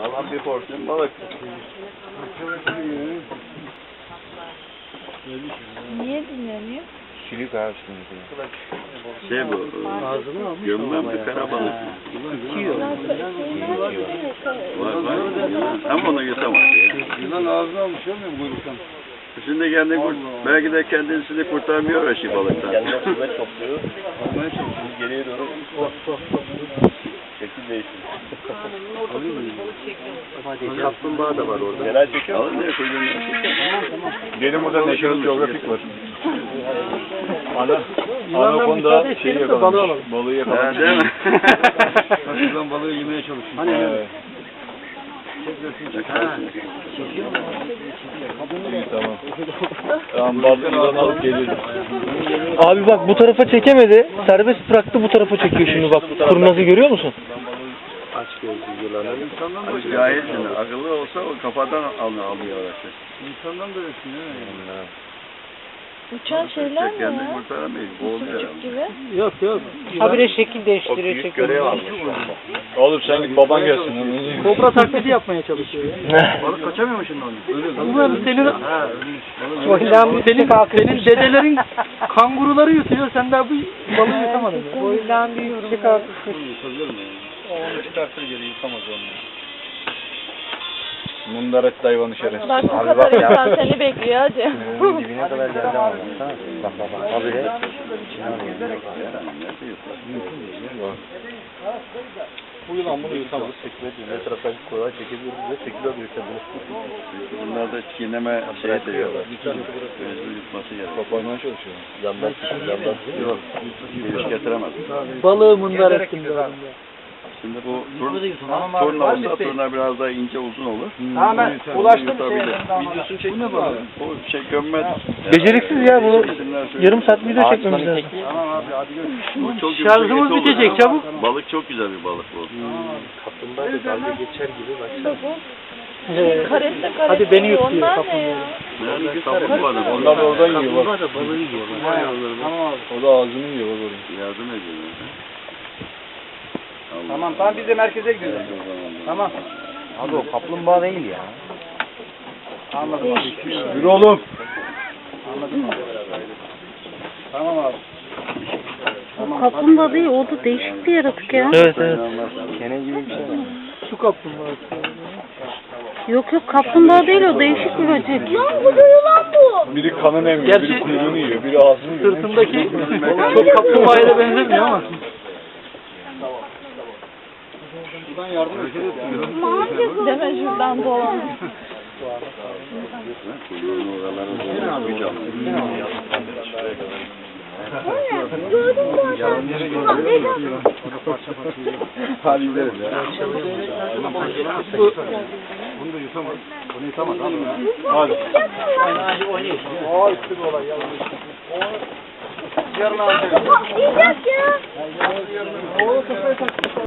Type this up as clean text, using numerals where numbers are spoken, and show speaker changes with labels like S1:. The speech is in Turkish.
S1: Alan bir porsiyon balık.
S2: Niye dinleniyor?
S3: Çilik abi şimdi.
S1: Şey bu, gömmem bir karabalık. Var var. Ama onu yutamaz ya.
S4: Yılan ağzına almış ya mı kuyruktan?
S1: Şimdi belki de kendisini kurtarmıyor o şey balıktan.
S3: Kendine kuvvet topluyor. Almaya çalışıyor. Geriye doğru. Şekil değiştiriyor.
S1: Kaplumbağa da var orada.
S3: Genel çekiyor.
S1: Alın ne koyduğunu.
S4: Benim burada National Geographic var. Anakonda şeyi yakalamış. Balığı yakalamış.
S1: Değil mi?
S4: Kaçırılan balığı yemeye çalışıyor. Hani tamam. Tamam balığı alıp geliyorum.
S5: Abi bak bu tarafa çekemedi. Serbest bıraktı bu tarafa çekiyor şimdi bak. Kurnazı görüyor musun?
S1: Aç gözlü yılanı. Cahilsin. Akıllı olsa o kafadan alıyor araçı.
S4: İnsandan da resim ya.
S2: Uçan şeyler mi
S1: Kendini
S2: ya?
S1: kurtaramayız. Boğuluyor.
S2: Sucuk gibi.
S5: Yok yok. Habire şekil değiştiriyor.
S3: Büyük görev almış.
S4: Oğlum sen git baban gelsin.
S5: Kobra taklidi yapmaya çalışıyor ya.
S4: Balık kaçamıyor mu şimdi onu?
S5: Ulan senin dedelerin kanguruları yutuyor. Sen daha bu balığı yutamadın. Boyundan bir yorum.
S4: Onu çıkartır geri yıkamaz onu. Mundaret hayvanı şerefsiz.
S2: Bak bu kadar insan seni bekliyor hadi.
S3: Dibine kadar geldi ama. Bak bak. Abi de.
S4: Bu yılan bunu yutamaz.
S3: Ne tarafa kolay çekebiliyoruz ve çekiliyor büyütebiliriz.
S1: Bunlar da çiğneme şey ediyorlar. Gözü yutması gerekiyor.
S4: Kapağından çalışıyor.
S3: Yandan
S1: Yok. Giriş getiremez.
S5: Balığı mundar ettim.
S1: Şimdi bu turna olsa turna biraz daha ince uzun olur.
S5: Tamam ben ulaştım
S1: Videosunu çektin mi abi? Bu şey gömmez.
S5: Beceriksiz ya bu. Yarım saat video çekmemiz lazım.
S4: Tamam abi hadi görüşürüz.
S1: Bu çok
S5: Şarjımız
S1: güzel
S5: bitecek çabuk.
S1: Balık çok güzel bir balık bu.
S3: Kaplumbağa da dalga geçer gibi bak.
S2: Karette
S5: Hadi beni yut diyor
S2: onlar ne
S5: kaplumbağa.
S2: ya?
S1: Yani kaplumbağa da
S4: Onlar da oradan yiyor bak.
S3: Kaplumbağa da balığı yiyor bak.
S4: O da ağzını yiyor bak oraya.
S1: yardım ediyor.
S5: Tamam biz de merkeze gidiyoruz. Tamam.
S3: Abi o kaplumbağa değil ya.
S5: Anladım abi.
S4: Yürü oğlum.
S5: Anladım abi. Tamam abi.
S6: O kaplumbağa değil, o da değişik bir yaratık ya.
S5: Evet evet.
S3: Kene gibi bir şey var.
S5: Su kaplumbağası.
S6: Yok yok, kaplumbağa değil, o değişik bir böcek. Lan bu da yılan bu.
S4: Biri kanını emiyor,
S5: Gerçi
S4: biri kuyruğunu yiyor, biri ağzını yiyor.
S5: Sırtındaki çok kaplumbağaya da benzemiyor ama.
S4: Buradan yardım ediyor.
S2: Deme şuradan dolan.
S6: Gördüm zaten.
S4: Hadi gidelim ya.
S5: Bunu da yutamaz. Bunu yutamaz abi.
S4: Hadi.
S5: Hadi oynayın. Aa üstü bir olay yalan. Yarın abi.
S6: Yiyecek ya.
S5: O kafaya tak.